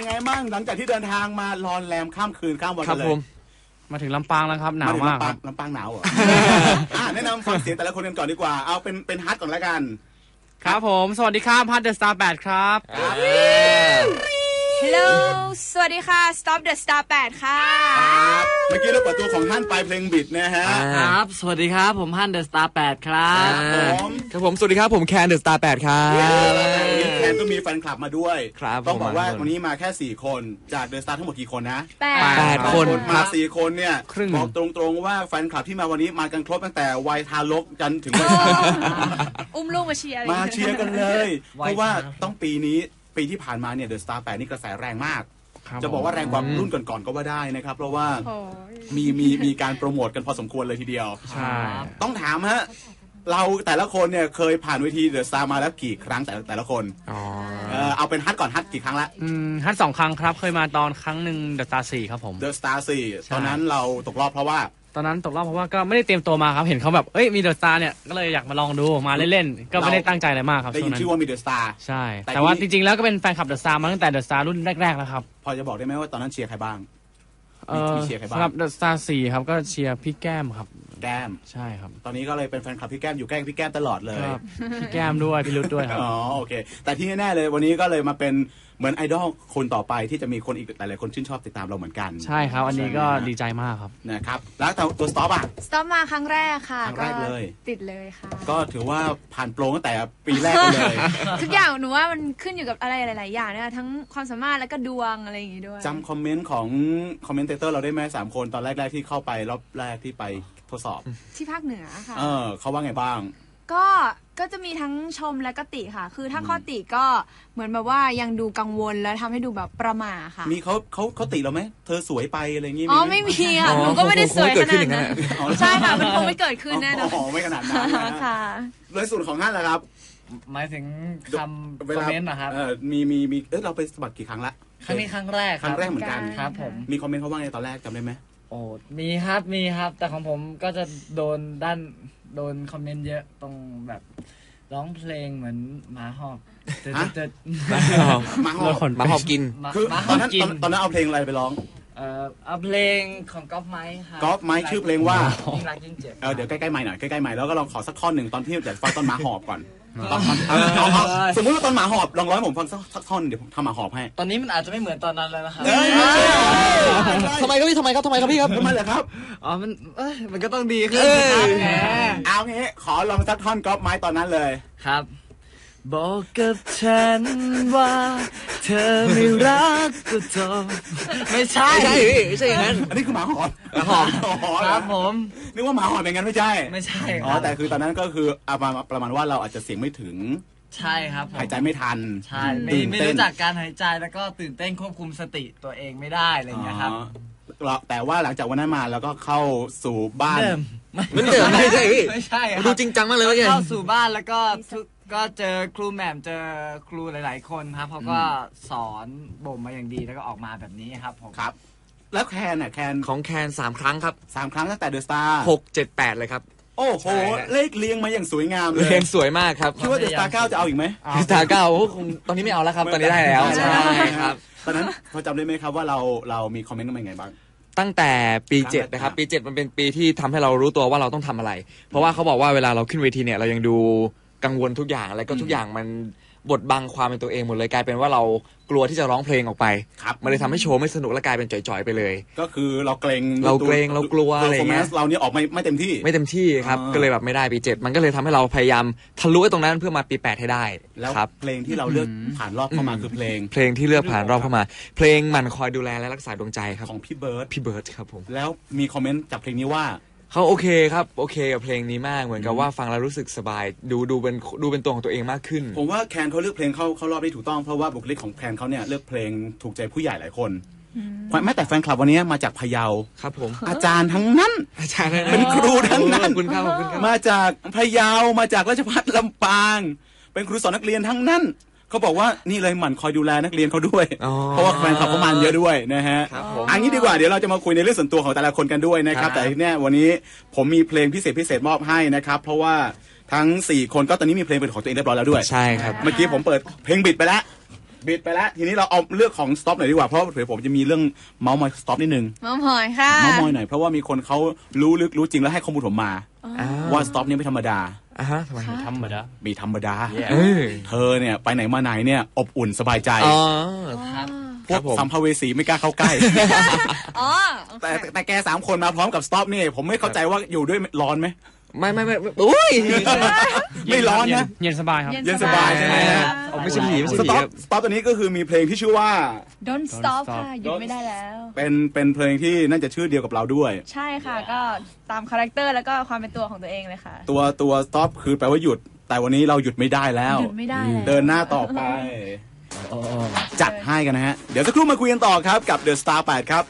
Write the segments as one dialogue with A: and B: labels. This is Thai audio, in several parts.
A: ยังไงบ้างหลังจากที่เดินทางมารอนแรมข้ามคืนข้ามวันกันเลย
B: มาถึงลำปางแล้วครับหนาวมากครับ
A: ลำปางหนาวเหรอแนะนำฟังเสียงแต่ละคนกันก่อนดีกว่าเอาเป็นฮัทก่อนแล้วกัน
B: ครับผมสวัสดีครับฮัทเดอะสตาร์8ครับ
C: ฮัลโหลสวัสดีค่ะ Stop the Star 8 ค่ะ
A: เมื่อกี้เราเปิดตัวของฮั่นไปเพลงบิดนะฮะ
D: ครับสวัสดีครับผมฮั่นเดอะสตาร์8ครับ
E: ครับผมสวัสดีครับผมแคนเดอะสตาร์8ครับ
A: แคนก็มีแฟนคลับมาด้วยต้องบอกว่าวันนี้มาแค่4คนจากเดอะสตาร์ทั้งหมดกี่คนนะ
E: 8คน
A: มา4คนเนี่ยบอกตรงๆว่าแฟนคลับที่มาวันนี้มากันครบตั้งแต่วัยทารกจนถึงวัยชรา
C: อุ้มลูกมาเชียร์
A: กันเลยเพราะว่าต้องปีที่ผ่านมาเนี่ยเดอะสตาร์8นี่กระแสแรงมากจะบอกว่าแรงกว่ารุ่นก่อนๆก็ว่าได้นะครับเพราะว่ามีการโปรโมทกันพอสมควรเลยทีเดียว
B: ใช่
A: ต้องถามฮะเราแต่ละคนเนี่ยเคยผ่านเวทีเดอะสตาร์มาแล้วกี่ครั้งแต่ละคนเอาเป็นฮัทก่อนฮัทกี่ครั้งละ
B: ฮัท2 ครั้งครับเคยมาตอนครั้งหนึ่งเดอะสตาร์4ครับผม
A: เดอะสตาร์4ตอนนั้นเราตกรอบเพราะว่า
B: ตอนนั้นตกรอบเพราะว่าก็ไม่ได้เตรียมตัวมาครับเห็นเขาแบบมีเดอะสตาร์เนี่ยก็เลยอยากมาลองดูมาเล่นๆก็ไม่ได้ตั้งใจอะไรมากครับ
A: ได้ยินชื่อว่ามีเดอะสตาร์
B: ใช่แต่ว่าจริงๆแล้วก็เป็นแฟนคลับเดอะสตาร์มาตั้งแต่เดอะสตาร์รุ่นแรกๆแล้วครับ
A: พอจะบอกได้ไหมว่าตอนนั้นเชียร์ใครบ้างมีเชียร์ใครบ้าง
B: ครับเดอะสตาร์4ครับก็เชียร์พี่แก้มครับ
A: แก้ม
B: ใช่ครับ
A: ตอนนี้ก็เลยเป็นแฟนคลับพี่แก้มอยู่ใกล้พี่แก้มตลอดเลย
B: พี่แก้มด้วยพี่รุดด้วยครับ
A: อ๋อโอเคแต่ที่แน่ๆเลยวันนี้ก็เลยมาเป็นเหมือนไอดอลคนต่อไปที่จะมีคนอีกหลายๆคนชื่นชอบติดตามเราเหมือนกัน
B: ใช่ครับอันนี้ก็ดีใจมากครับ
A: นะครับแล้วตัวสต็อปอ่ะ
C: สต็อปมาครั้งแรกค่ะ
A: ครั้งแรกเลย
C: ติดเลยค่ะ
A: ก็ถือว่าผ่านโปรตั้งแต่ปีแรกเลย
C: ทุกอย่างหนูว่ามันขึ้นอยู่กับอะไรหลายๆอย่างนะคะทั้งความสามารถแล้วก็ดวงอะไรอย่างงี้ด้วย
A: จำคอมเมนต์ของคอมเมนเตเตอร์เราได้ไหม3 คนตอนแรกๆที่เข้าไปรอบแรกที่ไปทดสอบ
C: ที่ภาคเหนือค่ะ
A: เขาว่าไงบ้าง
C: ก็จะมีทั้งชมและก็ติค่ะคือถ้าข้อติก็เหมือนแบบว่ายังดูกังวลแล้วทำให้ดูแบบประหม่าค่ะ
A: มีเขาติเราไหมเธอสวยไปอะไรอย่างงี้
C: อ๋อไม่มีค่ะหนูก็ไม่ได้สวยขนาดนั้นใช่ค่ะมันคงไม่เกิดขึ้นแน่นอน
A: อ๋อไม่ขนาดนั้น
C: ค่ะ
A: โดยส่วนของท่านล่ะครับ
D: หมายถึงคำคอมเมนต์นะครับ
A: มีเราไปสมัครกี่ครั้งละ
D: ครั้งนี้ครั้งแรก
A: เหมือนกัน
D: ครับผม
A: มีคอมเมนต์เขาว่าไงตอนแรกจำได้ไหม
D: โอ้มีครับแต่ของผมก็จะโดนคอมเมนต์เยอะตรงแบบร้องเพลงเหมือนหมาหอบ
A: หมาหอบ
E: กิน
A: คือตอนนั้นเอาเพลงอะไรไปร้อง
D: เอาเพลงของก๊อฟไมค์ครับ
A: ก๊อฟไมค์ชื่อเพลงว่า
D: ยิ่งรักยิ่งเจ็บ
A: เดี๋ยวใกล้ๆใหม่หน่อยใกล้ๆใหม่แล้วก็ลองขอสักท่อนหนึ่งตอนที่อยากฟังตอนหมาหอบก่อนสมมติว่าตอนหมาหอบลองร้องให้ผมฟังสักท่อนเดี๋ยวผมทำหมาหอบให้
D: ตอนนี้มันอาจจะไม่เหมือนตอนนั้นแล้วนะครับ
E: ทำไมครับพี่ทำไมครับพี่ครับ
A: ทำไมเหรอครับ
D: อ๋อมันก็ต้องดีขึ้น
A: เอางี้ขอลองสักท่อนก๊อฟไมค์ตอนนั้นเลย
D: ครับบอกกับฉันว่าเธอไม่รักก็จบไม่ใช่
E: อย่างนั้น
A: อันนี้คือหมาหอบ
D: ครับผม
A: นึกว่าหมาหอบอย่างนั้นไม่ใช่แต่คือตอนนั้นก็คือประมาณว่าเราอาจจะเสียงไม่ถึง
D: ใช่ครับ
A: หายใจไม่ทัน
D: ใช่ไม่รู้จักการหายใจแล้วก็ตื่นเต้นควบคุมสติตัวเองไม่ได้อะไรอย่างเงี้ยครับ
A: แต่ว่าหลังจากวันนั้นมาแล้วก็เข้าสู่บ้าน
E: ไม่ใช่ดูจริงจังมากเลย
D: เข้าสู่บ้านแล้วก็เจอครูแหม่มเจอครูหลายๆคนครับเขาก็สอนบ่มมาอย่างดีแล้วก็ออกมาแบบนี้ครับผม
A: ครับแล้วแคน
E: ของแคน3 ครั้งครับ
A: 3 ครั้งตั้งแต่เดอะสตาร์
E: 6 7 8เลยครับ
A: โอ้โหเลขเรียงมาอย่างสวยงามเลย
E: เรียงสวยมากครับ
A: คิดว่าเดอะสตาร์9จะเอาอีกไหม
E: เดอะสตาร์9คงตอนนี้ไม่เอาแล้วครับตอนนี้ได้แล้วใช่ครับ
A: ตอนนั้นพอจำได้ไหมครับว่าเรามีคอมเมนต์กันยังไงบ้าง
E: ตั้งแต่ปี7นะครับปี7มันเป็นปีที่ทำให้เรารู้ตัวว่าเราต้องทำอะไรเพราะว่าเขาบอกว่าเวลาเราขึ้นเวทีเนี่ยเรายังดูกังวลทุกอย่างแล้วก็ทุกอย่างมันบดบังความเป็นตัวเองหมดเลยกลายเป็นว่าเรากลัวที่จะร้องเพลงออกไปมันเลยทำให้โชว์ไม่สนุกและกลายเป็นจ่อยๆไปเลย
A: ก็คือเราเกรง
E: เรากลัวอะไรเงี้ย
A: เราเนี่ยออกไม่เต็มที่
E: ครับก็เลยแบบไม่ได้ปี7มันก็เลยทำให้เราพยายามทะลุตรงนั้นเพื่อมาปี8ให้ได้
A: แล้วเพลงที่เราเลือกผ่านรอบเข้ามาคือเพลง
E: ที่เลือกผ่านรอบเข้ามาเพลงมันคอยดูแลและรักษาดวงใจครับ
A: ของพี่เบิร์ด
E: ครับผม
A: แล้วมีคอมเมนต์จากเพลงนี้ว่า
E: เขาโอเคครับโอเคกับเพลงนี้มากเหมือนกับว่าฟังแล้วรู้สึกสบายดูเป็นตัวของตัวเองมากขึ้น
A: ผมว่าแคนเขาเลือกเพลงเข้ารอบได้ถูกต้องเพราะว่าบุคลิกของแคนเขาเนี่ยเลือกเพลงถูกใจผู้ใหญ่หลายคนแม้แต่แฟนคลับวันนี้มาจากพะเยา
E: ครับผม
A: อาจารย์ทั้งนั้นเป็นครูทั้งนั้นมาจากพะเยามาจากราชภัฏลำปางเป็นครูสอนนักเรียนทั้งนั้นเขาบอกว่านี่เลยหมั่นคอยดูแลนักเรียนเขาด้วยเพราะว่าแฟนคลับเขามาเยอะด้วยนะฮะอันนี้ดีกว่าเดี๋ยวเราจะมาคุยในเรื่องส่วนตัวของแต่ละคนกันด้วยนะครับแต่เนี่ยวันนี้ผมมีเพลงพิเศษมอบให้นะครับเพราะว่าทั้ง4คนก็ตอนนี้มีเพลงเป็นของตัวเองเรียบร้อยแล้วด้วย
E: ใช่ครับ
A: เมื่อกี้ผมเปิดเพลงบิดไปแล้วบิดไปแล้วทีนี้เราเอาเรื่องของสต็อปหน่อยดีกว่าเพราะเผื่อผมจะมีเรื่องเมาส์มอยสต็อปนิดนึง
C: เมาส์มอยค่ะ
A: เมาส์มอยหน่อยเพราะว่ามีคนเขารู้ลึกรู้จริงแล้วให้ข้อมูลผมมาว่าสต็อปนี้ไม่ธรรมดา
E: ฮะทำไม
B: ธรรมดา
A: มีธรรมดา
E: เออ
A: เธอเนี่ยไปไหนมาไหนเนี่ยอบอุ่นสบายใจ
E: อ๋อ
D: ครับ
A: พวกสัมภเวสีไม่กล้าเข้าใกล้
C: อ๋อ
A: แต่แก3 คนมาพร้อมกับสต็อปนี่ผมไม่เข้าใจว่าอยู่ด้วยร้อนไหม
E: ไม่อุ้ย
A: ไม่ร้อนนะ
B: เย็นสบายครับ
A: เย็นสบายใช่ไหมฮะ
E: ไม่ใช่ผีไม่
A: ส
E: ใช่ผี
A: ต็อปตัวนี้ก็คือมีเพลงที่ชื่อว่า
C: Don't stop ค่ะหยุดไม่ได้แล้ว
A: เป็นเพลงที่น่าจะชื่อเดียวกับเราด้วย
C: ใช่ค่ะก็ตามคาแรคเตอร์แล้วก็ความเป็นตัวของตัวเองเลยค่ะ
A: ตัว stop คือแปลว่าหยุด แต่วันนี้เราหยุดไม่ได้แล้ว
C: หยุดไม่ได้แล้ว
A: เดินหน้าต่อไป จัดให้กันนะฮะ เดี๋ยวสักครู่มาคุยกันต่อครับกับ The Star 8 ครับ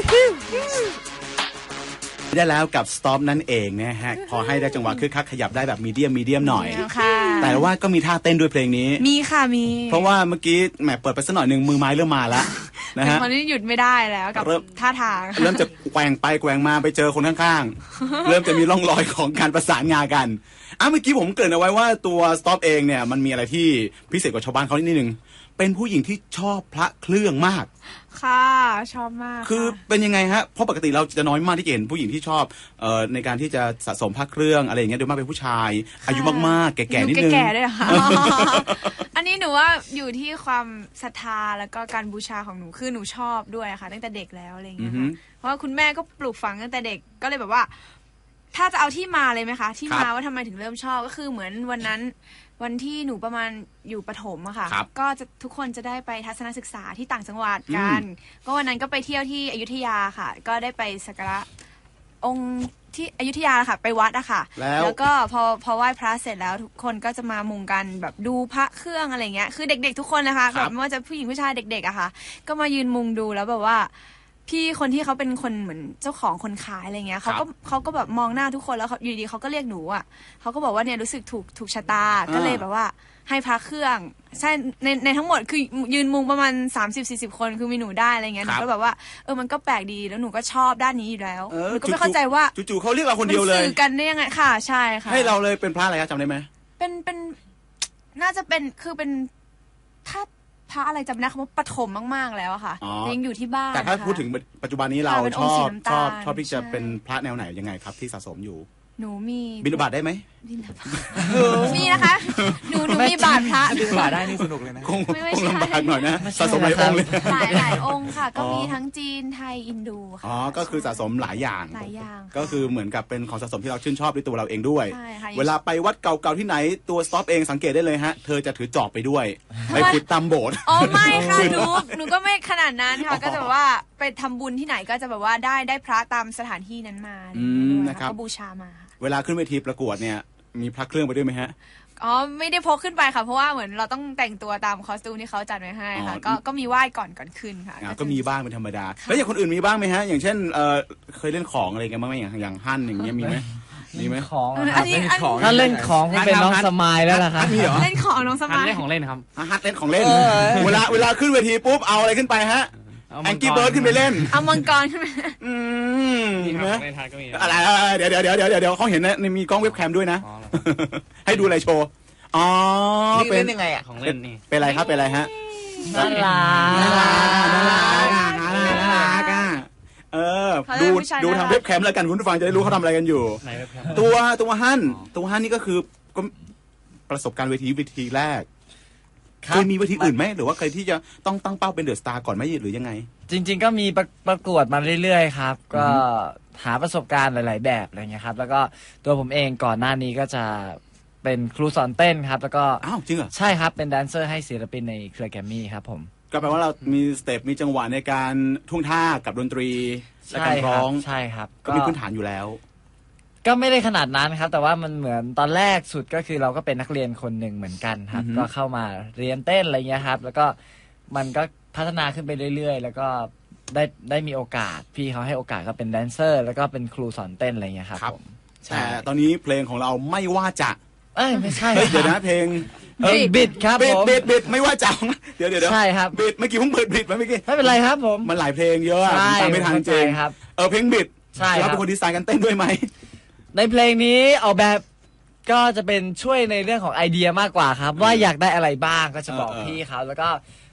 A: ได้แล้วกับ Stop นั่นเองนะฮะ พอให้ได้จังหวะคึกคักขยับได้แบบมีเดียมหน่อย
C: ค่ะ
A: แต่ว่าก็มีท่าเต้นด้วยเพลงนี้
C: มีค่ะมี
A: เพราะว่าเมื่อกี้แหมเปิดไปสักหน่อยหนึ่งมือไม้เริ่มมาแล้วนะฮะ
C: ตอนนี้หยุดไม่ได้แล้วกับ
A: เริ่ม
C: ท่าทาง
A: เริ่มจะแกว่งไปแกว่งมาไปเจอคนข้างๆ เริ่มจะมีร่องรอยของการประสานงานกันเมื่อกี้ผมเกริ่นเอาไว้ว่าตัว Stop เองเนี่ยมันมีอะไรที่พิเศษกว่าชาวบ้านเขานิดนึงเป็นผู้หญิงที่ชอบพระเครื่องมาก
C: ค่ะชอบมาก
A: คือเป็นยังไงฮะเพราะปกติเราจะน้อยมากที่จะเห็นผู้หญิงที่ชอบในการที่จะสะสมพระเครื่องอะไรอย่างเงี้ยโดยมากเป็นผู้ชาย อายุมากๆแก่ๆนิดนึง
C: แก่ๆด้วยเหรอค่ะ อันนี้หนูว่าอยู่ที่ความศรัทธาแล้วก็การบูชาของหนูคือหนูชอบด้วยค่ะตั้งแต่เด็กแล้วอะไรอย่างเงี้ยค่ะเพราะว่าคุณแม่ก็ปลูกฝังตั้งแต่เด็กก็เลยแบบว่า ถ้าจะเอาที่มาเลยไหมคะที่มาว่าทำไมถึงเริ่มชอบก็คือเหมือนวันที่หนูประมาณอยู่ประถมอะค่ะก็จะทุกคนจะได้ไปทัศนศึกษาที่ต่างจังหวัดกันก็วันนั้นก็ไปเที่ยวที่อยุธยาค่ะ ก็ได้ไปสักการะองค์ที่อยุธยาค่ะไปวัดอะค่ะแล้วก็พอไหว้พระเสร็จแล้วทุกคนก็จะมามุงกันแบบดูพระเครื่องอะไรเงี้ยคือเด็กๆทุกคนนะคะแบบไม่ว่าจะผู้หญิงผู้ชายเด็กๆอะค่ะก็มายืนมุงดูแล้วแบบว่าพี่คนที่เขาเป็นคนเหมือนเจ้าของคนขายอะไรเงี้ยเขาก็แบบมองหน้าทุกคนแล้วอยู่ดีเขาก็เรียกหนูอ่ะเขาก็บอกว่าเนี่ยรู้สึกถูกชะตาก็เลยแบบว่าให้พระเครื่องใช่ในทั้งหมดคือยืนมุงประมาณ30-40 คนคือมีหนูได้อะไรเงี้ยหนูก็แบบว่ามันก็แปลกดีแล้วหนูก็ชอบด้านนี้อยู่แล้วหนูก็ไม่เข้าใจว่า
A: จู่ๆเขาเรียกเราคนเดียวเลย
C: สื่อกันได้ยังไงค่ะใช่ค่ะ
A: ให้เราเลยเป็นพระอะไรครับจำได้ไหม
C: เป็นน่าจะเป็นคือเป็นถ้าพระอะไรจำไม่ได้คำว่าปฐมมากๆแล้วอะค่ะยังอยู่ที่บ้าน
A: แต่ถ้าพูดถึงปัจจุบันนี้เราชอบที่จะเป็นพระแนวไหนยังไงครับที่สะสมอยู่
C: หนูมี
A: บิณฑบาตได้ไหม
C: มีนะคะหนูมีบาทพระ
E: บิณฑบาตได้นี่สนุกเลยนะ
A: คงลำบากหน่อยนะสะสมหลายองค์เลย
C: หลายองค์ค่ะก็มีทั้งจีนไทยอินโดค่ะ
A: อ๋อก็คือสะสมหลายอย่างก็คือเหมือนกับเป็นของสะสมที่เราชื่นชอบด้วยตัวเราเองด้วยเวลาไปวัดเก่าๆที่ไหนตัวสต็อปเองสังเกตได้เลยฮะเธอจะถือจอบไปด้วยไปขุดตามโบสถ์
C: อ๋อไม่ค่ะหนูก็ไม่ขนาดนั้นค่ะก็จะแบบว่าไปทำบุญที่ไหนก็จะแบบว่าได้พระตามสถานที่นั้นมา
A: นะครับ
C: ก็บูชามา
A: เวลาขึ้นเวทีประกวดเนี่ยมีพระเครื่องไปด้วยไหมฮะ
C: อ๋อไม่ได้พกขึ้นไปค่ะเพราะว่าเหมือนเราต้องแต่งตัวตามคอสตูมที่เขาจัดไว้ให้ค่ะก็มีไหว้ก่อนขึ้นค่ะ
A: ก็มีบ้างเป็นธรรมดาแล้วอย่างคนอื่นมีบ้างไหมฮะอย่างเช่นเคยเล่นของอะไรกันบ้างไหมอย่างฮั่นอย่างเงี้ยมีไหมมีไหม
D: ของถ้าเล่นของเป็นน้องสมายแล้วล่ะครับ
C: เล่นของน้องสมาย
B: เล่นของเล่นครับ
A: ฮั่นเล่นของเล่นเวลาขึ้นเวทีปุ๊บเอาอะไรขึ้นไปฮะแองกี้เบิร์ดขึ้นไปเล่น
C: เอามังกรขึ้นไป
B: มีไหม
A: อะไรเดี๋ยวเขาเห็นนะมีกล้องเว็บแคมด้วยนะให้ดูอะไรโชว์อ๋อ
E: เป็นยังไงอ่ะ
B: ของเล่นนี่
A: เป็นอะไรครับเป็นอะไรฮะ
D: น่า
A: รักดูทางเว็บแคมแล้วกันคุณผู้ฟังจะได้รู้เขาทำอะไรกันอยู่ตัวฮั่นนี่ก็คือประสบการณ์เวทีแรกเคยมีเวทีอื่นไหมหรือว่าเคยที่จะต้องตั้งเป้าเป็นเดอะสตาร์ก่อนไหมหรือยังไง
D: จริงๆก็มีประกวดมาเรื่อยๆครับก็หาประสบการณ์หลายๆแบบอะไรเงี้ยครับแล้วก็ตัวผมเองก่อนหน้านี้ก็จะเป็นครูสอนเต้นครับแล้วก็
A: อ้าวจริงเหรอ
D: ใช่ครับเป็นแดนเซอร์ให้ศิลปินในเครือแกรมมี่ครับผม
A: ก็แปลว่าเรามีสเต็ปมีจังหวะในการท่วงท่ากับดนตรีและการร้อง
D: ใช่ครับ
A: ก็มีพื้นฐานอยู่แล้ว
D: ก็ไม่ได้ขนาดนั้นครับแต่ว่ามันเหมือนตอนแรกสุดก็คือเราก็เป็นนักเรียนคนหนึ่งเหมือนกันครับก็เข้ามาเรียนเต้นอะไรเงี้ยครับแล้วก็มันก็พัฒนาขึ้นไปเรื่อยๆแล้วก็ได้มีโอกาสพี่เขาให้โอกาสก็เป็นแดนเซอร์แล้วก็เป็นครูสอนเต้นอะไรเงี้ยครับผม
A: แต่ตอนนี้เพลงของเราไม่ว่าจะ
D: ไม่ใช่
A: เดี๋ยวนะเพลง
D: บิดครับผม
A: บิดไม่ว่าจะเดี๋ยว
D: ใช่ครับ
A: บิดเมื่อกี้ผมเปิดบิดมาเมื่อกี้
D: ไม่เป็นไรครับผม
A: มันหลายเพลงเยอะตามไม่ทันจริง
D: ครับ
A: เพลงบิด
D: ใช่
A: เราเป็นคนดีไซน์กันเต้นด้วยไหม
D: ในเพลงนี้ออกแบบก็จะเป็นช่วยในเรื่องของไอเดียมากกว่าครับว่าอยากได้อะไรบ้างก็จะบอกพี่เขาแล้วก็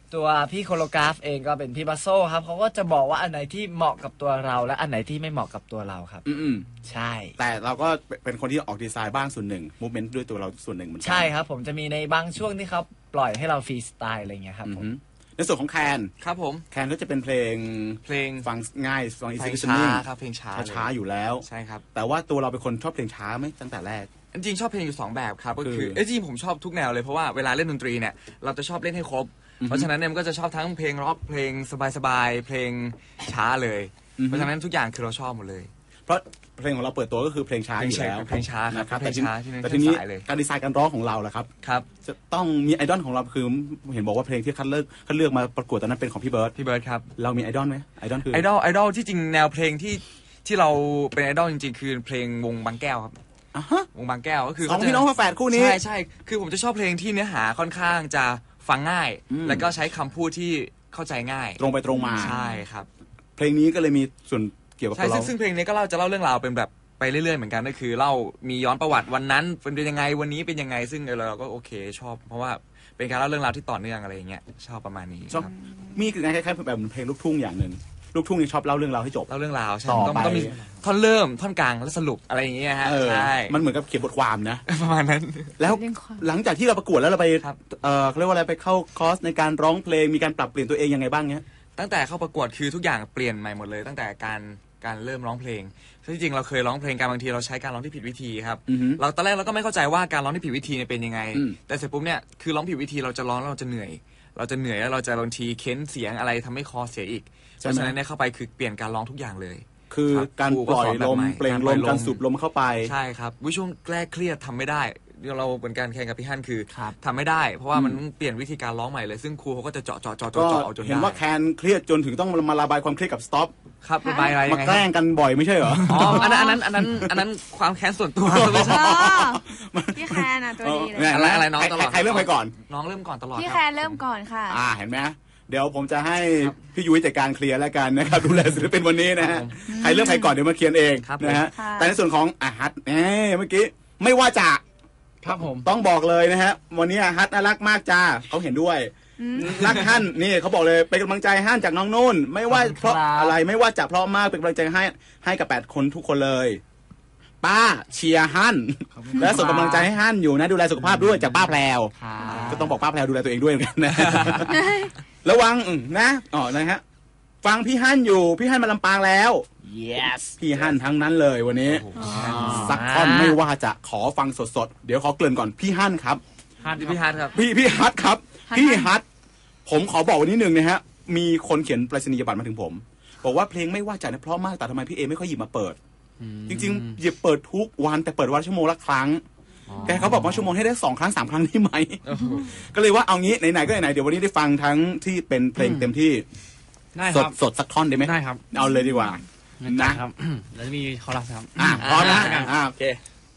D: ตัวพี่โคโลกราฟเองก็เป็นพี่บัสโซครับเขาก็จะบอกว่าอันไหนที่เหมาะกับตัวเราและอันไหนที่ไม่เหมาะกับตัวเราครับใช่
A: แต่เราก็เป็นคนที่ออกดีไซน์บ้างส่วนหนึ่งมูฟเมนต์ด้วยตัวเราส่วนหนึ่งเหมือนกัน
D: ใช่ครับผมจะมีในบางช่วงที่เขาปล่อยให้เราฟรีสไตล์อะไรเงี้ยครับผม
A: ในส่วนของแคน
E: ครับผม
A: แคนก็จะเป็นเพลงฟังง่ายฟังอีซี่
E: ช้าครับเพลง
A: ช้าอยู่แล้ว
E: ใช่ครับ
A: แต่ว่าตัวเราเป็นคนชอบเพลงช้าไหมตั้งแต่แรก
E: จริงชอบเพลงอยู่2แบบครับก็คือจริงผมชอบทุกแนวเลยเพราะว่าเวลาเล่นดนตรีเนี่ยเราจะชอบเล่นให้ครบเพราะฉะนั้นเนี่ยมันก็จะชอบทั้งเพลงร็อกเพลงสบายๆเพลงช้าเลยเพราะฉะนั้นทุกอย่างคือเราชอบหมดเลย
A: เพราะเพลงของเราเปิดตัวก็คือเพลงช้าอยู่แล้ว
E: เพลงช้าครับเพลงช้า
A: แต่ทีนี้การดีไซน์การร้องของเราล่ะครับ
E: ครับ
A: จะต้องมีไอดอลของเราคือเห็นบอกว่าเพลงที่คัดเลือกมาประกวดตอนนั้นเป็นของพี่เบิร์ด
E: ครับ
A: เรามีไอดอลไหมไอดอลคือ
E: ไอดอลที่จริงแนวเพลงที่เราเป็นไอดอลจริงๆคือเพลงวงบางแก้วครับวงบางแก้วก็คือ
A: ของพี่น้องฝาแฝดคู่นี้
E: ใช่คือผมจะชอบเพลงที่เนื้อหาค่อนข้างจะฟังง่ายแล้วก็ใช้คำพูดที่เข้าใจง่าย
A: ตรงไปตรงมา
E: ใช่ครับ
A: เพลงนี้ก็เลยมีส่วนเกี่ยวกับเรา
E: ซึ่งเพลงนี้ก็จะเล่าเรื่องราวเป็นแบบไปเรื่อยๆเหมือนกันก็คือเล่ามีย้อนประวัติวันนั้นเป็นยังไงวันนี้เป็นยังไงซึ่งเราก็โอเคชอบเพราะว่าเป็นการเล่าเรื่องราวที่ต่อเนื่องอะไรอย่างเงี้ยชอบประมาณนี้
A: ชอบมีคือคล้ายๆแบบเพลงลูกทุ่งอย่างนึงลูกทุ่งนี่ชอบเล่าเรื่องราวให้จบ
E: เล่าเรื่องราวใช่ต้องมีท่อนเริ่มท่อนกลางและสรุปอะไรอย่างเงี้ยฮะใช่
A: มันเหมือนกับเขียนบทความนะ
E: ประมาณนั้น
A: แล้วหลังจากที่เราประกวดแล้วเราไปเขาเรียกว่าอะไรไปเข้าคอร์สในการร้องเพลงมีการปรับเปลี่ยนตัวเองยังไงบ้างเนี้ย
E: ตั้งแต่เข้าประกวดคือทุกอย่างเปลี่ยนใหม่หมดเลยตั้งแต่การเริ่มร้องเพลงที่จริงเราเคยร้องเพลงการบางทีเราใช้การร้องที่ผิดวิธีครับเราตอนแรกเราก็ไม่เข้าใจว่าการร้องที่ผิดวิธีเนี่ยเป็นยังไงแต่เสร็จปุ๊บเนี่ยคือร้องผิดวิธีเราจะร้องแล้วเราจะเหนื่อยแล้วเราจะบางทีเค้นเสียงอะไรทำให้คอเสียอีกเพราะฉะนั้นเนี่ยเข้าไปคือเปลี่ยนการร้องทุกอย่างเลย
A: คือการปล่อยลมเปล่งลมการสูบลมเข้าไป
E: ใช่ครับช่วงแรกเครียดทำไม่ได้เราเหมือนกันแข่งกับพี่ฮั่นคือทำไม่ได้เพราะว่ามันเปลี่ยนวิธีการร้องใหม่เลยซึ่งครูเขาก็จะเจาะเอาจนได้
A: เห็นว่าแคนเครียดจนถึงต้องมาระบายความเครียดกับสต็อป
E: ครับระบายอะไรยังไง
A: มาแกล้งกันบ่อยไม่ใช่เหรอ
E: อ๋ออันนั้นความแค้นส่วนตัวไม่ใช่
C: พี่แคนอ่ะตัวดีเลย
E: อะไรน้องตลอด
A: ใครเริ่มไปก่อน
E: น้องเริ่มก่อนตลอด
C: พี่แคนเริ่มก่อนค่ะ
A: เห็นไหมเดี๋ยวผมจะให้พี่ยุ้ยจัดการเคลียร์แล้วกันนะครับดูแลศิลปินวันนี้นะฮะใครเริ่มใครก่อนเดี๋ยวมาเคลียร์เองนะฮะแต่ในส่วนของฮัทเมื่อกี้ไม่ว่าจะ
B: ครับผม
A: ต้องบอกเลยนะฮะวันนี้ฮัทน่ารักมากจ้าเขาเห็นด้วยรักฮั่นนี่เขาบอกเลยเป็นกำลังใจฮั่นจากน้องนุ่นไม่ว่าเพราะอะไรไม่ว่าจะเพราะมากเป็นกำลังใจให้กับ8คนทุกคนเลยป้าเชียร์ฮั่นและส่งกำลังใจให้ฮั่นอยู่นะดูแลสุขภาพด้วยจากป้าแพรวก็ต้องบอกป้าแพรวดูแลตัวเองด้วยเหมือนกันนะระวังนะนะฮะฟังพี่ฮั่นอยู่พี่ฮั่นมาลำปางแล้ว
D: yes
A: พี่ฮั่นทั้งนั้นเลยวันนี้สักท่อนไม่ว่าจะขอฟังสดๆเดี๋ยวขอเกริ่นก่อนพี่ฮั่นครับ
E: พี่ฮั่นครับ
A: พี่ฮั่นครับพี่ฮั่นผมขอบอกวันนี้หนึ่งนะฮะมีคนเขียนไปรษณียบัตรมาถึงผมบอกว่าเพลงไม่ว่าจะเพราะมากแต่ทำไมพี่เอไม่ค่อยหยิบมาเปิดจริงๆหยิบเปิดทุกวันแต่เปิดวันชั่วโมงละครั้งแต่เขาบอกว่าชั่วโมงให้ได้2 ครั้ง 3 ครั้งได้ไหมก็เลยว่าเอางี้ไหนๆก็ไหนๆเดี๋ยววันนี้ได้ฟังทั้งที่เป็นเพลงเต็มที่สดสักท่อนได้ไหม
B: ได้ครับ
A: เอาเลยดีกว่า
B: นะครับแล้วมีคอรัสครับ
A: พร้อมนะโอเค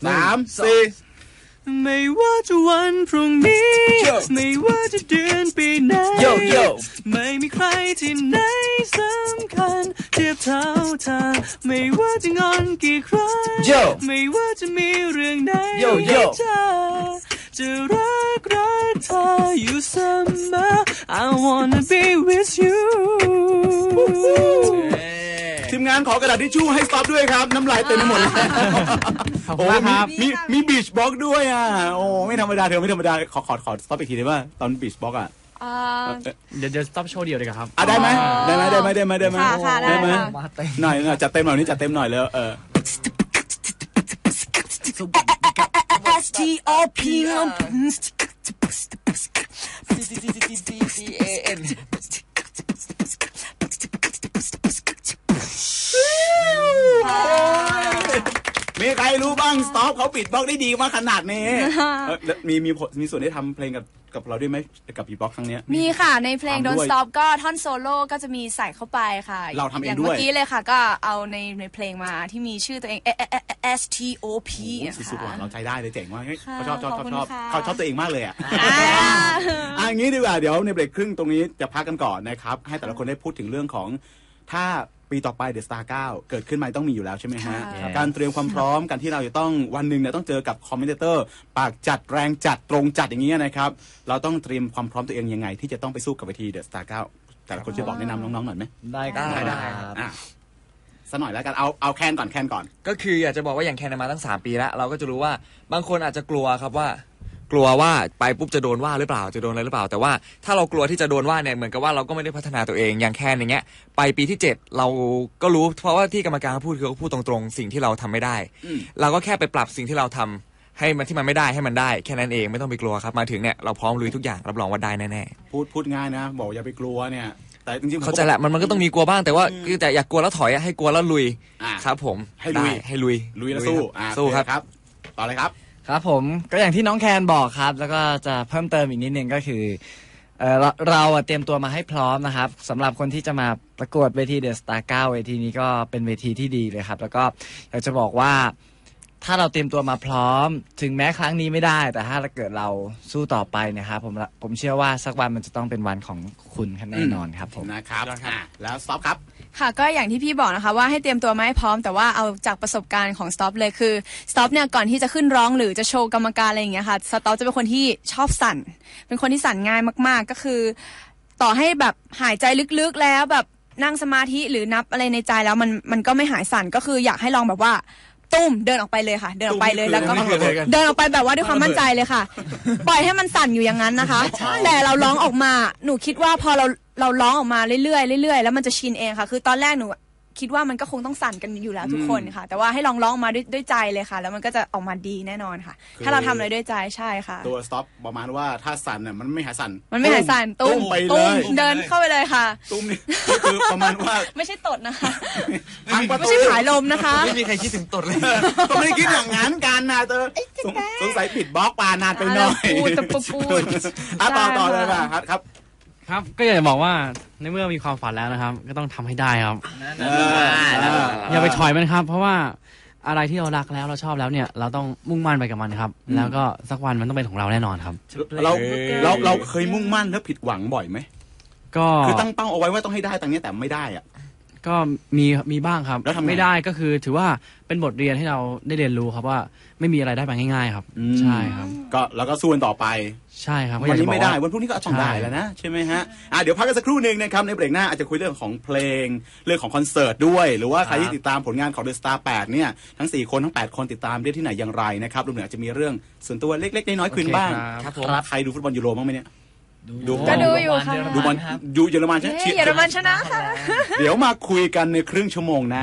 A: 3 4
B: ไม่ว่าจะวันพรุ่งนี้ไม่ว่าจะเดือนปีไหนไม่มีใครที่ไหนสำคัญเทียบเท่าเธอไม่ว่าจะงอนกี่ครั้งไม่ว่าจะมีเรื่องใดจะรักเธออยู่เสมอ I wanna be with you
A: ทีมงานขอกระดาษทิชชู่ให้สต็อปด้วยครับน้ำลายเต็มไปหมดเลยโอ้มีบีชบ็อกด้วยโอ้ไม่ธรรมดาไม่ธรรมดาขอสต็อปอีกทีได้ป่ะตอนบีชบ็อก
B: เดี๋ยวสต็อปโชว์เดียวเลยครับ
A: ได้ไหมหน่อยจัดเต็มหน่อยนี่จัดเต็มหน่อยแล้ว
F: STOP
A: มีใครรู้บ้างสต็อปเขาปิดบล็อกได้ดีมากขนาดนี้มีส่วนได้ทำเพลงกับเราด้วยไหมกับบีบ็อกครั้งนี้
C: มีค่ะในเพลง Don't Stop ก็ท่อนโซโล่ก็จะมีใส่เข้าไปค่ะ
A: เราทำเองด้วย
C: อย่างเมื่อกี้เลยค่ะก็เอาในเพลงมาที่มีชื่อตัวเอง STOP
A: สุดๆเราใจได้เลยเจ๋งมากเขาชอบเขาชอบตัวเองมากเลยอย่างนี้ดีกว่าเดี๋ยวในเบรกครึ่งตรงนี้จะพักกันก่อนนะครับให้แต่ละคนได้พูดถึงเรื่องของถ้าปีต่อไปเดอะสตาร์9เกิดขึ้นมาต้องมีอยู่แล้วใช่ไหมฮะ
C: ค่ะ
A: การเตรียมความพร้อมการที่เราจะต้องวันหนึ่งเนี่ยต้องเจอกับคอมเมนเตอร์ปากจัดแรงจัดตรงจัดอย่างนี้นะครับเราต้องเตรียมความพร้อมตัวเองยังไงที่จะต้องไปสู้กับเวทีเดอะสตาร์9แต่ละคนช่วยบอกแนะนำน้องๆหน่อยไหม
D: ได้ครับ
E: ได้
A: อ่ะสักหน่อยแล้วกันเอาแคนก่อน
E: ก็คืออยากจะบอกว่าอย่างแคนมาตั้ง3 ปีแล้วเราก็จะรู้ว่าบางคนอาจจะกลัวครับว่ากลัวว่าไปปุ๊บจะโดนว่าหรือเปล่าจะโดนอะไรหรือเปล่าแต่ว่าถ้าเรากลัวที่จะโดนว่าเนี่ยเหมือนกับว่าเราก็ไม่ได้พัฒนาตัวเองอย่างแคนอย่างเงี้ยไปปีที่7เราก็รู้เพราะว่าที่กรรมการพูดคือเขาพูดตรงๆสิ่งที่เราทำไม่ได้เราก็แค่ไปปรับสิ่งที่เราทำให้มันที่มันไม่ได้ให้มันได้แค่นั้นเองไม่ต้องไปกลัวครับมาถึงเนี่ยเราพร้อมลุยทุกอย่างรับรองว่าได้แน่
A: ๆพูดง่ายนะบอกอย่าไปกลัวเนี่ยแต่จริงๆ
E: เข้าใจแหละมันก็ต้องมีกลัวบ้างแต่ว่าคือแต่อยากกลัวแล้วถอยให้กลัวแล้วลุยครับผม
A: ให้ลุย
E: ลุย
A: แล้วสู้
E: สู้ครับ
A: ต่อเลยครับ
D: ครับผมก็อย่างที่น้องแคนบอกครับแล้วก็จะเพิ่มเติมอีกนิดนึงก็คือเราเตรียมตัวมาให้พร้อมนะครับสำหรับคนที่จะมาประกวดเวทีเดอะสตาร์9เวทีนี้ก็เป็นเวทีที่ดีเลยครับแล้วก็อยากจะบอกว่าถ้าเราเตรียมตัวมาพร้อมถึงแม้ครั้งนี้ไม่ได้แต่ถ้าเกิดเราสู้ต่อไปนะครับผมเชื่อว่าสักวันมันจะต้องเป็นวันของคุณแน่นอนครับผม
A: นะครับแล้วสต็อปครับ
C: ค่ะก็อย่างที่พี่บอกนะคะว่าให้เตรียมตัวมาให้พร้อมแต่ว่าเอาจากประสบการณ์ของสต็อปเลยคือสต็อปเนี่ยก่อนที่จะขึ้นร้องหรือจะโชว์กรรมการอะไรอย่างเงี้ยค่ะสต็อปจะเป็นคนที่ชอบสั่นเป็นคนที่สั่นง่ายมากๆก็คือต่อให้แบบหายใจลึกๆแล้วแบบนั่งสมาธิหรือนับอะไรในใจแล้วมันก็ไม่หายสั่นก็คืออยากให้ลองแบบว่าตุ้มเดินออกไปเลยค่ะเดินออกไปเลยแล้วก็เดินออกไปแบบว่าด้วยความมั่นใจเลยค่ะปล่อยให้มันสั่นอยู่อย่างนั้นนะคะแต่เราร้องออกมาหนูคิดว่าพอเราร้องออกมาเรื่อยๆแล้วมันจะชินเองค่ะคือตอนแรกหนูคิดว่ามันก็คงต้องสั่นกันอยู่แล้วทุกคนค่ะแต่ว่าให้ลองมาด้วยใจเลยค่ะแล้วมันก็จะออกมาดีแน่นอนค่ะถ้าเราทำอะไรด้วยใจใช่ค่ะ
A: ตัวสต็อปประมาณว่าถ้าสั่นเนี่ยมันไม่หายสั่น
C: ตุ้ม
A: ไปเลย
C: เดินเข้าไปเลยค่ะ
A: ตุ้มนี่คือประมาณว่า
C: ไม่ใช่ตดนะคะไม่ใช่ผายลมนะคะ
E: ไม่มีใครคิดถึงตดเลย
A: ก็ไม่ได้คิดอย่างนั้นกันนะเธอสงสัยผิดบล็อกปานานไปหน่อย
C: พูด
A: ต่อเลยครับ
B: ครับก็อยากจะบอกว่าในเมื่อมีความฝันแล้วนะครับก็ต้องทำให้ได้ครับอย่าไปถอยมันครับเพราะว่าอะไรที่เรารักแล้วเราชอบแล้วเนี่ยเราต้องมุ่งมั่นไปกับมันครับแล้วก็สักวันมันต้องเป็นของเราแน่นอนครับ
A: เราเคยมุ่งมั่นแล้วผิดหวังบ่อยไหม
B: ก็
A: คือตั้งเป้าเอาไว้ว่าต้องให้ได้ตรงนี้แต่ไม่ได้อ่ะ
B: ก็มีบ้างครับ
A: แล้วทำ
B: ไม่ได้ก็คือถือว่าเป็นบทเรียนให้เราได้เรียนรู้ครับว่าไม่มีอะไรได้มาง่ายๆครับใช่ครับ
A: ก็แล้วก็สู้กันต่อไป
B: ใช่ครับ
A: วันนี้ไม่ได้วันพรุ่งนี้ก็ต้องได้แล้วนะใช่ไหมฮะเดี๋ยวพักกันสักครู่หนึ่งนะครับในเบรกหน้าอาจจะคุยเรื่องของเพลงเรื่องของคอนเสิร์ตด้วยหรือว่าใครที่ติดตามผลงานของ The Star 8เนี่ยทั้ง4คนทั้ง8คนติดตามได้ที่ไหนอย่างไรนะครับรวมถึงอาจจะมีเรื่องส่วนตัวเล็กๆน้อยๆคุยบ้าง
D: ครับ
A: ใครดูฟุตบอลยูโรบ้างไหมเนี่ย
C: ก็ดูอยู่ค่ะ
A: ดูบอลดูเยอรมัน
C: เยอรมันชนะค่ะ
A: เดี๋ยวมาคุยกันในครึ่งชั่วโมงหน้า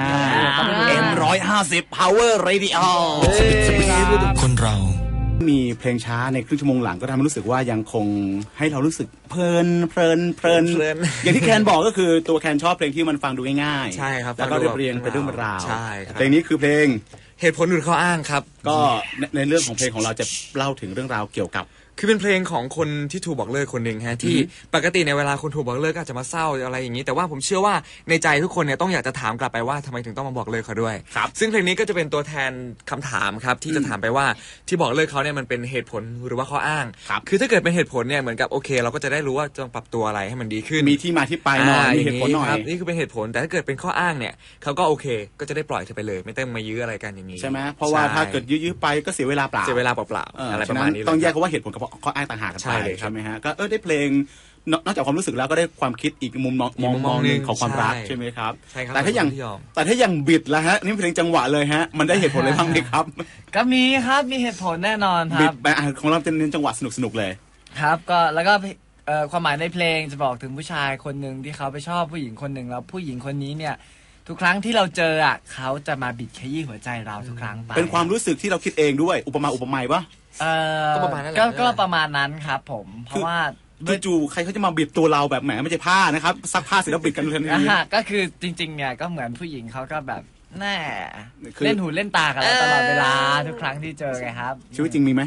A: M150 Power Radio
F: คนเรา
A: มีเพลงช้าในครึ่งชั่วโมงหลังก็ทำให้รู้สึกว่ายังคงให้เรารู้สึกเพลินอย่างที่แคนบอกก็คือตัวแคนชอบเพลงที่มันฟังดูง่าย
E: ๆใช่ครับ
A: แล้วก็เรียงเป็นเรื่องราว
E: ใช่ครับ
A: เพลงนี้คือเพลง
E: เหตุผลหรือข้ออ้างครับ
A: ก็ในเรื่องของเพลงของเราจะเล่าถึงเรื่องราวเกี่ยวกับ
E: คือเป็นเพลงของคนที่ถูกบอกเลิกคนหนึ่งฮะที่ปกติในเวลาคนถูกบอกเลิกก็อาจจะมาเศร้าอะไรอย่างนี้แต่ว่าผมเชื่อว่าในใจทุกคนเนี่ยต้องอยากจะถามกลับไปว่าทำไมถึงต้องมาบอกเลิกเขาด้วยซึ่งเพลงนี้ก็จะเป็นตัวแทนคำถามครับที่จะถามไปว่าที่บอกเลิกเขาเนี่ยมันเป็นเหตุผลหรือว่าข้ออ้างคือถ้าเกิดเป็นเหตุผลเนี่ยเหมือนกับโอเคเราก็จะได้รู้ว่าจะต้องปรับตัวอะไรให้มันดีขึ้น
A: มีที่มาที่ไปหน่อยมีเหตุผลหน่อย
E: นี่คือเป็นเหตุผลแต่ถ้าเกิดเป็นข้ออ้างเนี่ยเขาก็โอเคก็จะได้ปล่อยเธอไปเลยไม่ต้องมายื้ออะไรกันอย่างนี้
A: ใช่ไหมเพราะว่าถ้าเกิดยื้อไปก็เสียเวลาเปล่า
E: อะไรประมาณนี้
A: ต้องแยกว่าเหตุผลกับข้ออ้างต่างหากใช่ไหมฮะก็ได้เพลงนอกจากความรู้สึกแล้วก็ได้ความคิดอีกมุมมองนึงของความรักใช่ไหมครับแต่ถ้าอย่างบิดแล้วฮะนี่เพลงจังหวะเลยฮะมันได้เหตุผลอะไรบ้างไหมครับ
D: ก็มีครับมีเหตุผลแน่นอนครับบิด
A: แบบของเราจะเน้นจังหวะสนุกเลย
D: ครับก็แล้วก็ความหมายในเพลงจะบอกถึงผู้ชายคนหนึ่งที่เขาไปชอบผู้หญิงคนหนึ่งแล้วผู้หญิงคนนี้เนี่ยทุกครั้งที่เราเจอเขาจะมาบิดขยี้หัวใจเราทุกครั้งไป
A: เป็นความรู้สึกที่เราคิดเองด้วยอุปมาปะ
D: ก็ประมาณนั้นก็ประมาณนั้นครับผมเพราะว่า
A: จู่ๆใครเขาจะมาบิดตัวเราแบบแหมไม่ใช่ผ้านะครับซักผ้าเสร็จแล้วบิดกันเลยนี่
D: ก็คือจริงๆเนี่ยก็เหมือนผู้หญิงเขาก็แบบแน่เล่นหูเล่นตากันแล้วตลอดเวลาทุกครั้งที่เจอไงครับ
A: ชีวิตจริงมีไหม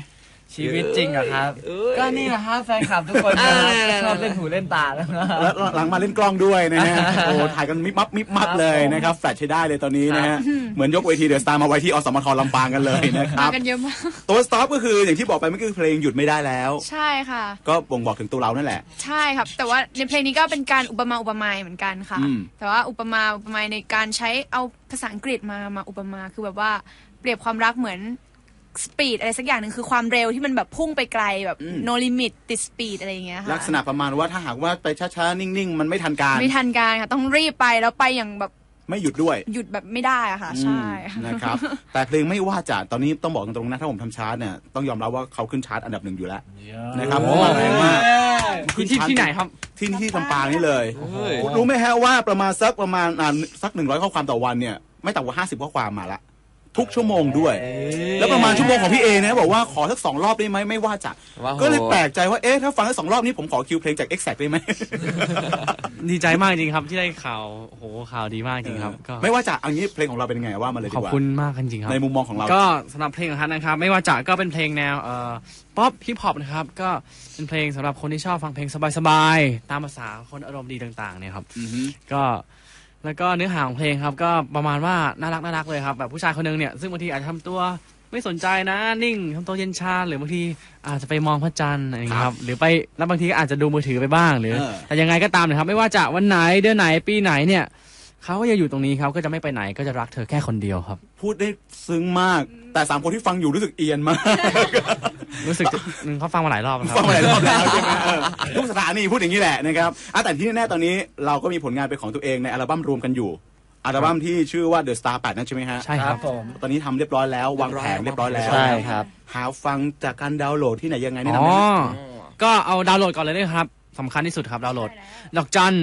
D: ชีวิตจริงเหรอครับ ก็นี่แหละครับแฟนคลับทุกคนชอบเล่นหูเล่นตาแล้ว
A: หลังมาเล่นกล้องด้วยนะฮะโอ้ถ่ายกันมิบมับเลยนะครับแฟลชใช้ได้เลยตอนนี้นะฮะเหมือนยกเวทีเดอะสตาร์มาไว้ที่อสมทลำปางกันเลยนะครับ
C: มากันเยอะมาก
A: ตัวสต็อปก็คืออย่างที่บอกไปเมื่อกี้เพลงหยุดไม่ได้แล้ว
C: ใช่ค่ะ
A: ก็บ่งบอกถึงตัวเรานั่นแหละ
C: ใช่ครับแต่ว่าในเพลงนี้ก็เป็นการอุปไมยเหมือนกันค่ะแต่ว่าอุปไมยในการใช้เอาภาษาอังกฤษมาอุปมาคือแบบว่าเปรียบความรักเหมือนสปีดอะไรสักอย่างหนึ่งคือความเร็วที่มันแบบพุ่งไปไกลแบบ no limit ติดสปีดอะไรอย่างเงี้ยค่ะ
A: ลักษณะประมาณว่าถ้าหากว่าไปช้าๆนิ่งๆมันไม่ทันการ
C: ค่ะต้องรีบไปแล้วไปอย่างแบบ
A: ไม่หยุดด้วย
C: หยุดแบบไม่ได้อะค่ะใช่
A: นะครับแต่เพลงไม่ว่าจะตอนนี้ต้องบอกตรงๆนะถ้าผมทำชาร์ตเนี่ยต้องยอมรับว่าเขาขึ้นชาร์ตอันดับ1อยู่แล้วนะครับเพราะว่าแรงมาก
B: ที่ไหนครับ
A: ที่ลำปางนี่เลยรู้ไหมฮะว่าประมาณสัก100ข้อความต่อวันเนี่ยไม่ต่ำกว่า50ข้อความมาละทุกชั่วโมงด้วยแล้วประมาณชั่วโมงของพี่เอนะบอกว่าขอสัก2 รอบได้ไหมไม่ว่าจะก็เลยแปลกใจว่าถ้าฟังสัก2 รอบนี้ผมขอคิวเพลงจาก Exact ได้ไหม
B: ดีใจมากจริงครับที่ได้ข่าวโหข่าวดีมากจริงครับ
A: ก็ไม่ว่าจะเอางี้เพลงของเราเป็นยังไงว่ามาเลยดีกว่า
B: ขอบคุณมากจริงครับ
A: ในมุมมองของเรา
B: ก็สำหรับเพลงของท่านนะครับไม่ว่าจะก็เป็นเพลงแนวป๊อปฮิปฮอปนะครับก็เป็นเพลงสำหรับคนที่ชอบฟังเพลงสบายๆตามภาษาคนอารมณ์ดีต่างๆเนี่ยครับก็แล้วก็เนื้อหาของเพลงครับก็ประมาณว่าน่ารักเลยครับแบบผู้ชายคนนึงเนี่ยซึ่งบางทีอาจจะทำตัวไม่สนใจนะนิ่งทำตัวเย็นชาหรือบางทีอาจจะไปมองพระจันทร์อะไรอย่างนี้ครับหรือไปแล้วบางทีอาจจะดูมือถือไปบ้างหรือแต่ยังไงก็ตามนะครับไม่ว่าจะวันไหนเดือนไหนปีไหนเนี่ยเขาก็จะอยู่ตรงนี้เขาก็จะไม่ไปไหนก็จะรักเธอแค่คนเดียวครับ
A: พูดได้ซึ้งมากแต่3 คนที่ฟังอยู่รู้สึกเอียนมาก
B: รู้สึกเขาฟังมาหลายรอบครับ
A: ฟังมาหลายรอบแล้วใช่ไหมทุกสถานีพูดอย่างนี้แหละนะครับแต่ที่แน่ๆตอนนี้เราก็มีผลงานเป็นของตัวเองในอัลบั้มรวมกันอยู่อัลบั้มที่ชื่อว่า The Star 8นั่นใช่ไหมฮะ
B: ใช่ครับผม
A: ตอนนี้ทำเรียบร้อยแล้ววางแผนเรียบร้อยแล้ว
D: ใช่ครับ
A: หาฟังจากการดาวน์โหลดที่ไหนยังไงนี่นะ
B: ก็เอาดาวน์โหลดก่อนเลยนะครับสำคัญที่สุดครับดาวน์โหลดดอกจัน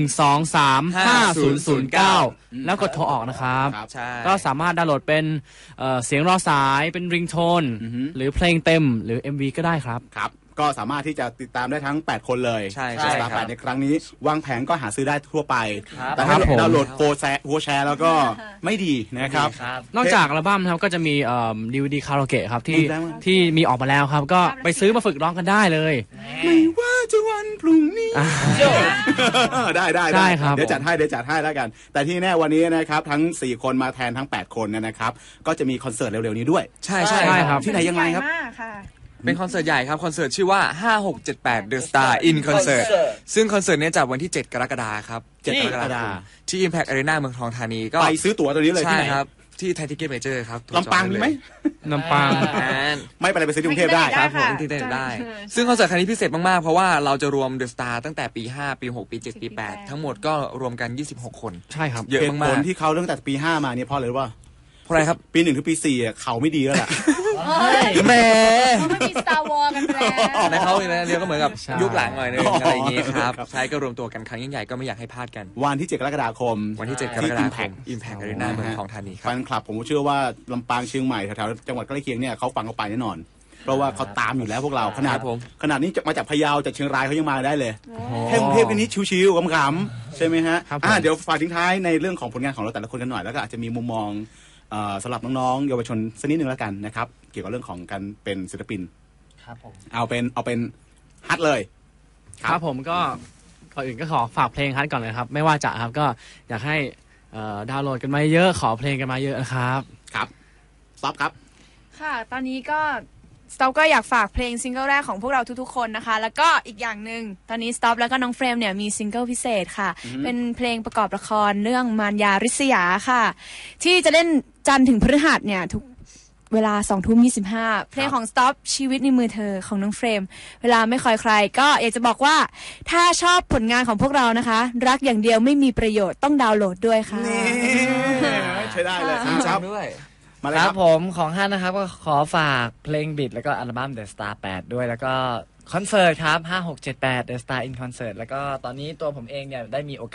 B: 1235009แล้วกดโทรออกนะครับก็สามารถดาวน์โหลดเป็นเสียงรอสายเป็นริงโทนหรือเพลงเต็มหรือ MV ก็ได้ครับ
A: ครับก็สามารถที่จะติดตามได้ทั้ง8 คนเลย
E: ใช่
A: ครับในครั้งนี้วางแผนก็หาซื้อได้ทั่วไปแต่ถ้าดาวน์โหลดโพแชร์แล้วก็ไม่ดีนะครับ
B: นอกจากอัลบั้มครับก็จะมีDVD คาราโอเกะครับที่มีออกมาแล้วครับก็ไปซื้อมาฝึกร้องกันได้เลย
A: ไม่ว่าจะวันพรุ่งนี้ได้ครับเดี๋ยวจัดให้แล้วกันแต่ที่แน่วันนี้นะครับทั้ง4 คนมาแทนทั้ง8 คนนะครับก็จะมีคอนเสิร์ตเร็วๆนี้ด้วย
E: ใช่
B: ครับ
A: ที่ไหนยังไงครับ
E: เป็นคอนเสิร์ตใหญ่ครับคอนเสิร์ตชื่อว่า5678 The Star in Concert ซึ่งคอนเสิร์ตนี้จัดวันที่7 กรกฎาคมครับ7 กรกฎาคมที่ Impact Arena เมืองทองธานีก็
A: ไปซื้อตั๋วตัวนี้เลยที่ไหน
E: ครับที่ไทยทิเก็ตเมเจอร์ครับ
A: ลำปางมีไหม
B: ลำปาง
A: ไม่ไปซื้อที่กรุงเทพได้
E: ครับผมที่ได้ซึ่งคอนเสิร์ตครั้งนี้พิเศษมากๆเพราะว่าเราจะรวม The Star ตั้งแต่ปี5ปี6ปี7ปี8ทั้งหมดก็รวมกัน26 คน
B: ใช่ครับ
A: เยอะมากๆที่เขาตั้งแต่ปี5มาเนี่ยเพราะอะไรรู้ป่ะ
E: เพราะอะไรครับ
A: ปี1ถึงปี4เขาไม่ดีแล้วแหละ
E: แหม
C: มันมี Star Wars กันแล้ว
E: ในเขาเนี่ยเรียกก็เหมือนกับยุคหลังหน่อยนึงอะไรอย่างงี้ครับใช้ก็รวมตัวกันครั้งยิ่งใหญ่ก็ไม่อยากให้พลาดกัน
A: วันที่7 กรกฎาคม
E: วันที่7 กรกฎาคม Impact Arena เมืองทองธานีครับ
A: แฟนคลับผมเชื่อว่าลำปางเชียงใหม่แถวๆจังหวัดใกล้เคียงเนี่ยเขาฟังเขาไปแน่นอนเพราะว่าเขาตามอยู่แล้วพวกเราขนาดนี้มาจากพะเยาจากเชียงรายเขายังมาได้เลยแค่กรุงเทพนี้ชิวๆขำๆใช่ไหมฮะเดี๋ยวฝากทิ้งท้ายในเรื่องของผลงานของเราแต่ละคนกันหน่อยแล้วก็อาจจะมีมุมมองสำหรับน้องๆเยาวชนสักนิดนึงแล้วกันนะครับเกี่ยวกับเรื่องของการเป็นศิลปิน
D: ครับผม
A: เอาเป็นฮัทเลย
B: ครับผมก็ก่อนอื่นก็ขอฝากเพลงฮัทก่อนเลยครับไม่ว่าจะครับก็อยากให้ดาวน์โหลดกันมาเยอะขอเพลงกันมาเยอะนะครับ
A: ครับต๊อบครับ
C: ค่ะตอนนี้ก็สต็อปก็อยากฝากเพลงซิงเกิลแรกของพวกเราทุกๆคนนะคะแล้วก็อีกอย่างหนึ่งตอนนี้สต็อปแล้วก็น้องเฟรมเนี่ยมีซิงเกิลพิเศษค่ะเป็นเพลงประกอบละครเรื่องมารยาริษยาค่ะที่จะเล่นจันทร์ถึงพฤหัสเนี่ยทุกเวลา 20:25 เพลงของสต็อปชีวิตในมือเธอของน้องเฟรมเวลาไม่คอยใครก็อยากจะบอกว่าถ้าชอบผลงานของพวกเรานะคะรักอย่างเดียวไม่มีประโยชน์ต้องดาวน์โหลดด้วยค่ะ
A: ใช้ได้เลยครับ
E: ด้วย
D: ครับผมของฮั่นนะครับก็ขอฝากเพลงบิดแล้วก็อัลบั้ม The Star 8ด้วยแล้วก็คอนเสิร์ตครับ5678 The Star in Concert แล้วก็ตอนนี้ตัวผมเองเนี่ยได้มีโอกาส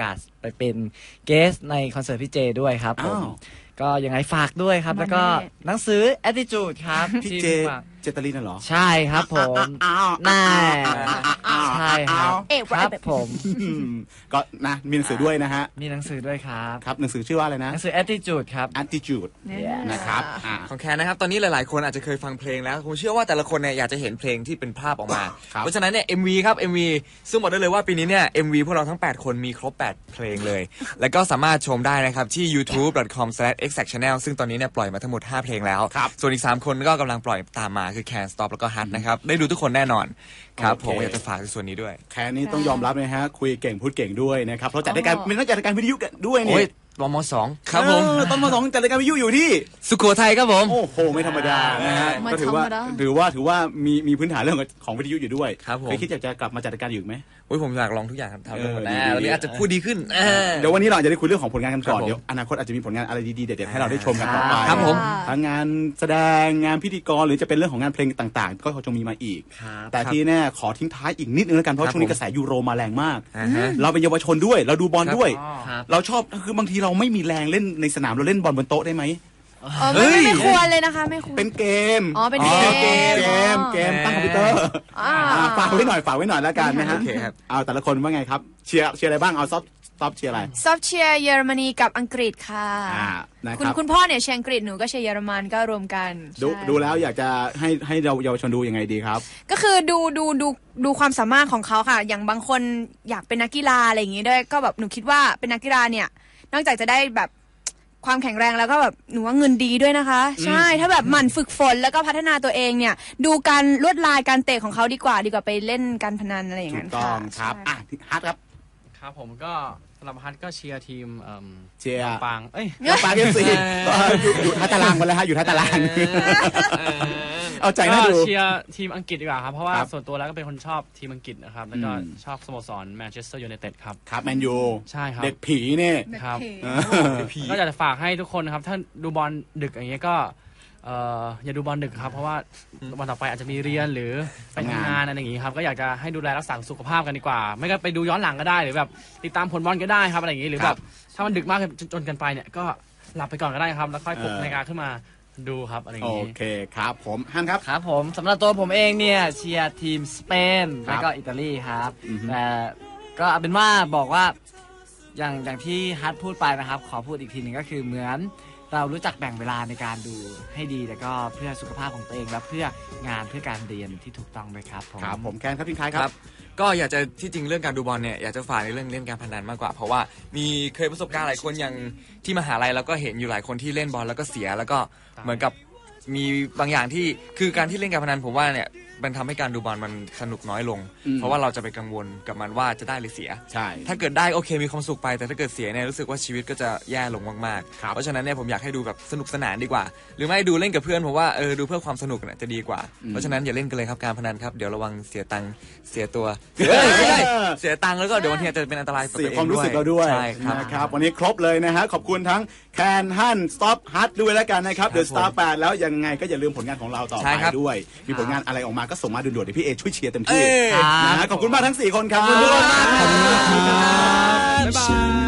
D: ไปเป็นเกสในคอนเสิร์ตพี่เจด้วยครับผมก็ยังไงฝากด้วยครับแล้วก็หนังสือ Attitude ครับ
A: พี่เจเจตลินน่ะเหรอ
D: ใช่ครับผมน่าใช่ครับครับผม
A: ก็นะมีหนังสือด้วยนะฮะ
D: มีหนังสือด้วยครับ
A: ครับหนังสือชื่อว่าอะไรนะ
D: หนังสือ Attitude ครับ
A: Attitude นะครับ
E: ของแคนนะครับตอนนี้หลายๆคนอาจจะเคยฟังเพลงแล้วผมเชื่อว่าแต่ละคนเนี่ยอยากจะเห็นเพลงที่เป็นภาพออกมาเพราะฉะนั้นเนี่ย MV ครับ MV ซึ่งบอกได้เลยว่าปีนี้เนี่ย MV พวกเราทั้ง8คนมีครบ8เพลงเลยแล้วก็สามารถชมได้นะครับที่ youtube.com/exactchannel ซึ่งตอนนี้เนี่ยปล่อยมาทั้งหมด5เพลงแล้วส่วนอีก3คนก็กำลังปล่อยตามมาคือ Can Stop แล้วก็ Hut นะครับได้ดูทุกคนแน่นอนครับผมอยากจะฝากในส่วนนี้ด้วย
A: แคนนี่ต้องยอมรับนะฮะคุยเก่งพูดเก่งด้วยนะครับเพราะจัดรายการเป็นนักจัดรายการวิทยุด้วยนี่
E: ตม.2 ครับผม
A: ตม.2 จัดรายการวิทยุอยู่ที่
E: สุโขทัยครับผม
A: โอ้โหไม่ธรรมดานะฮะก็ถือว่ามีพื้นฐานเรื่องของวิทยุอยู่ด้วยเคยคิดอยากจะกลับมาจัดรายการอยู่ไหม
E: ผมอยากลองทุกอย่างทำได้หมดนะวันนี้อาจจะพูดดีขึ้น
A: เดี๋ยววันนี้เราจะได้คุยเรื่องของผลงานกันก่อนเดี๋ยวอนาคตอาจจะมีผลงานอะไรดีๆเด็ดๆให้เราได้ชมกันต่อไป
E: ครับผม
A: ทั้งงานแสดงงานพิธีกรหรือจะเป็นเรื่องของงานเพลงต่างๆก็คงมีมาอีกแต่ที่แน่ขอทิ้งท้ายอีกนิดนึงแล้วกันเพราะช่วงนี้กระแสยูโรมาแรงมากเราเป็นเยาวชนด้วยเราดูบอลด้วยเราชอบคือบางทีเราไม่มีแรงเล่นในสนามเราเล่นบอลบนโต๊ะได้ไหม
C: ไม่ควรเลยนะคะไม่ควร
A: เป็นเกม
C: เป็นเก
A: มตั้งคอมพิวเตอร์ฝากไว้หน่อยแล้วกันนะฮะเอาแต่ละคนว่าไงครับเชียร์อะไรบ้างเอาซอฟเชียร์อะไร
C: ซอฟเชียร์เยอรมนีกับอังกฤษค่ะคุณพ่อเนี่ยเชียร์อังกฤษหนูก็เชียร์เยอรมันก็รวมกัน
A: ดูแล้วอยากจะให้เราเยาวชนดูยังไงดีครับ
C: ก็คือดูความสามารถของเขาค่ะอย่างบางคนอยากเป็นนักกีฬาอะไรอย่างงี้ด้วยก็แบบหนูคิดว่าเป็นนักกีฬาเนี่ยนอกจากจะได้แบบความแข็งแรงแล้วก็แบบหนูว่าเงินดีด้วยนะคะใช่ถ้าแบบหมั่นฝึกฝนแล้วก็พัฒนาตัวเองเนี่ยดูการลวดลายการเตะของเขาดีกว่าไปเล่นการพนันอะไรอย่างนั้น
A: ค่ะถูกต้องครับฮัท
B: ครับผมก็สำหรับฮัทก็เชียร์ทีม
A: เชียร์
B: ปาง
A: ปางFCอยู่ท้ายตารางกันเลยฮะอยู่ท้ายตารางเอาใจน่าดู
B: เชียร์ทีมอังกฤษดีกว่าครับเพราะว่าส่วนตัวแล้วก็เป็นคนชอบทีมอังกฤษนะครับแล้วก็ชอบสโมสรแมนเชสเตอร์ยูไนเต็ดครับ
A: ครับแมนยู
B: ใช่ครับ
A: เด็กผีเนี่ย
B: ครับก็อยากจะฝากให้ทุกคนนะครับถ้าดูบอลดึกอย่างเงี้ยก็อย่าดูบอลดึกครับเพราะว่าวันต่อไปอาจจะมีเรียนหรือไปทำงานอะไรอย่างงี้ครับก็อยากจะให้ดูแลรักษาสุขภาพกันดีกว่าไม่ก็ไปดูย้อนหลังก็ได้หรือแบบติดตามผลบอลก็ได้ครับอะไรอย่างงี้หรือแบบถ้ามันดึกมากจนเกินไปเนี่ยก็หลับไปก่อนก็ได้ครับแล้วค่อยปลุกนาฬิกาขึ้นมาดูครับอะไรอย่างงี้
A: โอเคครับผมฮันครับ
D: ครับผมสำหรับตัวผมเองเนี่ยเชียร์ทีมสเปนแล้วก็อิตาลีครับแต่ก็เอาเป็นว่าบอกว่าอย่างที่ฮัทพูดไปนะครับขอพูดอีกทีหนึ่งก็คือเหมือนเรารู้จักแบ่งเวลาในการดูให้ดีแล้วก็เพื่อสุขภาพของตัวเองและเพื่องานเพื่อการเรียนที่ถูกต้องด้วยครับ
A: ผมแคนครับพี่คายครับ
E: ก็อยากจะที่จริงเรื่องการดูบอลเนี่ยอยากจะฝากในเรื่องเล่นการพนันมากกว่าเพราะว่ามีเคยประสบการณ์หลายคนอย่างที่มหาลัยแล้วก็เห็นอยู่หลายคนที่เล่นบอลแล้วก็เสียแล้วก็เหมือนกับมีบางอย่างที่คือการที่เล่นการพนันผมว่าเนี่ยมันทำให้การดูบอลมันสนุกน้อยลงเพราะว่าเราจะไปกังวลกับมันว่าจะได้หรือเสีย
A: ใช่
E: ถ้าเกิดได้โอเคมีความสุขไปแต่ถ้าเกิดเสียเนี่ยรู้สึกว่าชีวิตก็จะแย่ลงมากๆเพราะฉะนั้นเนี่ยผมอยากให้ดูแบบสนุกสนานดีกว่าหรือไม่ดูเล่นกับเพื่อนผมว่าดูเพื่อความสนุกเนี่ยจะดีกว่าเพราะฉะนั้นอย่าเล่นกันเลยครับการพนันครับเดี๋ยวระวังเสียตังค์เสียตัวไม่ได้เสียตังค์แล้วก็เดี๋ยวบางทีจะเป็นอันตราย
A: เสียความรู้สึกเราด้วยนะครับวันนี้ครบเลยนะฮะขอบคุณทั้งแคนฮันสต็อปฮัทด้วยแล้วกันนะครับเดอะสตาร์8แล้วยังไงก็อย่าลืมผลงานของเราต่อไปด้วยมีผลงานอะไรออกมาก็ส่งมาด่วนๆเดี๋ยวพี่เอช่วยเชียร์เต็มที่นะขอบคุณมากทั้ง4คนครับขอบคุณมากครับบ๊ายบาย